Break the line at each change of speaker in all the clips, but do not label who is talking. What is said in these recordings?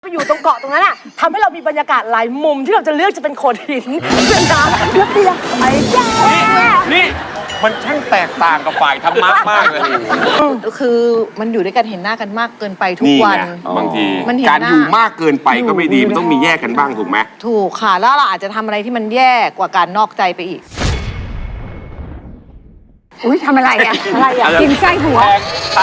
ไปอยู่ตรงเกาะตรงนั้นอ่ะทำให้เรามีบรรยากาศหลายมุมที่เราจะเลือกจะเป็นโขดหินเป็นน้ำเลือกเตียงไปแย่
นี่มันช่างแตกต่างกับฝ่ายธรรมะมากเลย
คือมันอยู่ด้วยกันเห็นหน้ากันมากเกินไปทุก
นี่
วัน
ไงบางที
มันเห็น
การ
หน้า
อยู่มากเกินไปก็ไม่ดีมันต้องมีแยกกันบ้างถูกไหม
ถูกค่ะ แล้วเราอาจจะทำอะไรที่มันแย่กว่าการนอกใจไปอีก
อุ้ยทำอะไรอ่ะ
อะไรอ่ะ
กินไส้ผัว
ใช่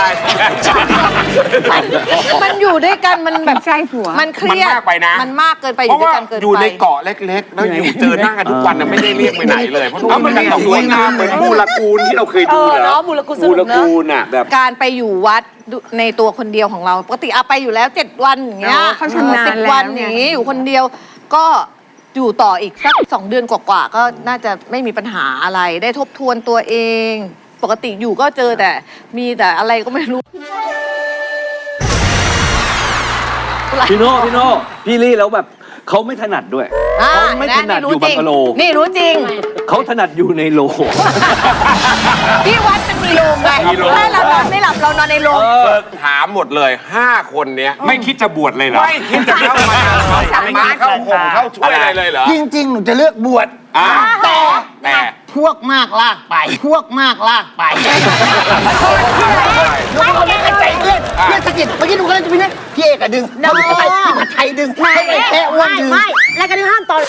มันอยู่ด้วยกันมันแบบ
ไส้ผัว
มันเครียด
มันมากไปนะ
มันมากเกินไปอ
เพ
ยู่
ราะ
ด้วย
ว่า
กันเกินไป
อยู่ในเกาะเล็กๆ แล้วอยู่เจอหน้ากันทุกวันน่ะไม่ได้เรียกไปไหนเลยเพราะมันมีสวยงามเหมือนมูลกูลที่เราเคยดูเหร
เนาะ
อ
มูลกุศ
มู
ล
ล
เนอะ
กูลน่ะแบบ
การไปอยู่วัดในตัวคนเดียวของเราปกติไปอยู่แล้ว7 วันอย่างเงี้ย
เขาชำนาญ
10 วัน
แล้วไง
อย่างงี้อยู่คนเดียวก็อยู่ต่ออีกสัก2 เดือนกว่าๆก็น่าจะไม่มีปัญหาอะไรได้ทบทวนตัวเอง ปกติอยู่ก็เจอแต่มีแต่อะไรก็ไม่รู้
พี่โน่พี่ลี่แล้วแบบเขาไม่ถนัดด้วยเขาไม่ถนัดอยู่บังกะโล
นี่รู้จริง
เขาถนัดอยู่ในโล
พี่วัดเป็นมีโรงไงถ้าเรานอนไม่หลับเรานอนในโรง
ถามหมดเลย5 คนเนี้ยไม่คิดจะบวชเลยเหรอไม่คิดจะเข้ามาเข้าห่มเข้าช่วยอะไรเลยเหรอ
จริงๆ หนูจะเลือกบวช
แต่
พวกมากลากไป พวกมากลากไปหนูเอาเล่นใจเพื่อนเพื่อนสะกิดเมื่อกี้หนูก็เลยจะไปเนี่ยพี่เอกอะดึงพี่ผัดไทยดึงไม่แค่อ้วนดึง
ไม่รายการที่ห้ามตอน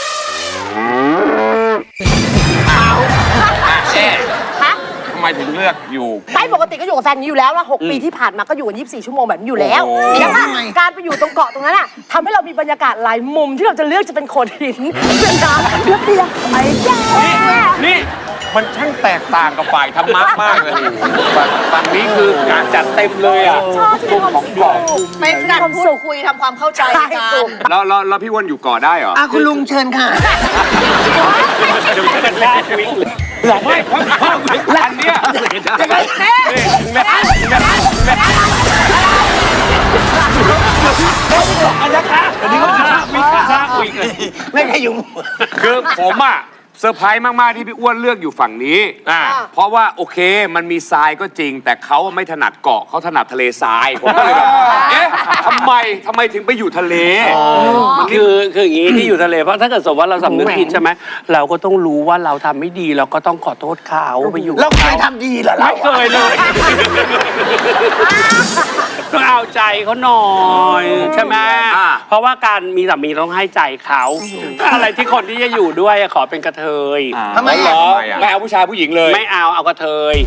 ทำไมถึงเลือกอยู่
ไม่ปกติก็อยู่กับแฟนอยู่แล้วนะ6 ปีที่ผ่านมาก็อยู่กัน24 ชั่วโมงแบบนี้อยู่แล้ว
โอ้
แล้วก็การไปอยู่ตรงเกาะตรงนั้นอ่ะทำให้เรามีบรรยากาศหลายมุมที่เราจะเลือกจะเป็นโขดหินเป็นน้ำเลือกเตียงไปแย่
นี่มันช่างแตกต่างกับฝ่ายธรรมะมากเลยฝั่งนี้คือการจัดเต็มเลยอ่ะ
ชอบที่มีความสุข
เป็นการพูดคุยทำความเข้าใจกัน
แล้วพี่อ้วนอยู่ก่อได้เหรอ
คุณลุงเชิญค่ะ
เดี๋ยวจะแลกวิ่งไม่เพราะอันเนี้ย
ไม่ใช่ยุง
คือผมอ่ะเซอร์ไพรส์มากๆที่พี่อ้วนเลือกอยู่ฝั่งนี้เพราะว่าโอเคมันมีทรายก็จริง แต่เขาไม่ถนัดเกาะเขาถนัดทะเลทรายผมก็เลยแบบเอ๊ะทำไมถึงไปอยู่ทะเล
คืออย่างนี้ที่อยู่ทะเลเพราะถ้าเกิดสมมติว่าเราสำนึกผิดใช่ไหมเราก็ต้องรู้ว่าเราทำไม่ดีเราก็ต้องขอโทษเขาไปอยู่
เราเคยทำดีเหรอเรา
ไม่เคยเลยต้องเอาใจเขาหน่อยใช่ไหมเพราะว่าการมีสามีต้องให้ใจเขาอะไรที่คนที่จะอยู่ด้วยขอเป็นกระเทย
ทำไม
ไม่เอาผู้ชายผู้หญิงเลย
ไม่เอากระเทย